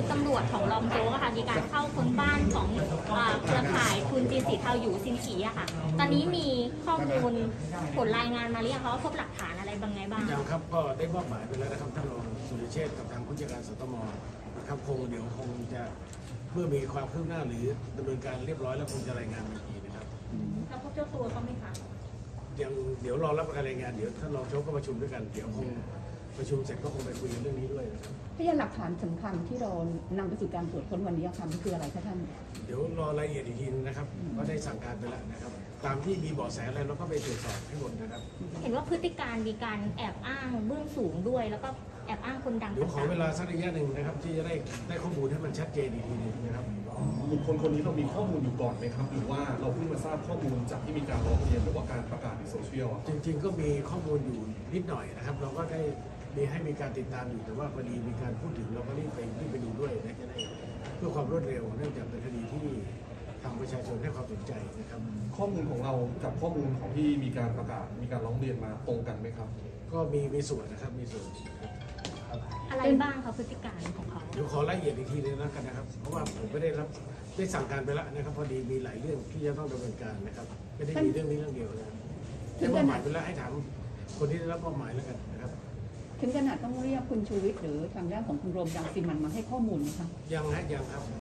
ชุดตำรวจของรองโจ๊กอะค่ะมีการเข้าค้นบ้านของเครือข่ายทุนจีนสีเทาอยู่ซินฉีอะค่ะตอนนี้มีข้อมูลผลรายงานมาหรือยังคะว่าพบหลักฐานอะไรบางไงบ้างยังครับก็ได้มอบหมายไปแล้วนะครับท่านรองสุริเชษฐ์กับทางผู้จัดการสตมนะครับเดี๋ยวคงจะเมื่อมีความคืบหน้าหรือดำเนินการเรียบร้อยแล้วคงจะรายงานอีกทีนะครับแล้วพบเจ้าตัวเขาไหมคะยังเดี๋ยวรอรับการรายงานเดี๋ยวท่านรองโจ๊กก็ประชุมด้วยกันเดี๋ยวคงประชุมเสร็จก็คงไปคุยเรื่องนี้ด้วยนะครับพยานหลักฐานสำคัญที่เรานำไปสู่การตรวจค้นวันนี้ค่ะมันคืออะไรคะท่านเดี๋ยวรอรายละเอียดอีกทีนะครับก็ได้สั่งการไปแล้วนะครับตามที่มีเบาะแสอะไรเราก็ไปตรวจสอบให้หมดนะครับเห็นว่าพฤติการมีการแอบอ้างเบื้องสูงด้วยแล้วก็แอบอ้างคนดังเดี๋ยวขอเวลาสักระยะหนึ่งนะครับที่จะได้ข้อมูลให้มันชัดเจนอีกทีนึงนะครับบุคคลคนนี้เรามีข้อมูลอยู่ก่อนไหมครับหรือว่าเราเพิ่งมาทราบข้อมูลจากที่มีการร้องเรียนหรือว่าการประกาศในโซเชียลจริงๆก็มีข้อมูลอยู่นิดหน่อยนะครับเราก็ได้มีการติดตามอยู่แต่ว่าพอดีมีการพูดถึงเราก็รีบไปดูด้วยนะจะได้เพื่อความรวดเร็วเนื่องจากเป็นคดีที่ทางประชาชนให้ความสนใจนะครับข้อมูลของเรากับข้อมูลของที่มีการประกาศมีการร้องเรียนมาตรงกันไหมครับก็มีส่วนนะครับมีส่วนอะไรบ้างคะพฤติการของเขาเดี๋ยวขอรายละเอียดอีกทีนึงแล้วกันนะครับเพราะว่าผมไม่ได้สั่งการไปแล้วนะครับพอดีมีหลายเรื่องที่จะต้องดำเนินการนะครับไม่ได้มีเรื่องนี้เรื่องเดียวนะครับได้มอบหมายไปแล้วให้ถามคนที่ได้รับมอบหมายแล้วกันนะครับถึงขนาดต้องเรียกคุณชูวิทย์หรือทางด้านของคุณโรมรังสิมันมาให้ข้อมูลไหมคะยังครับ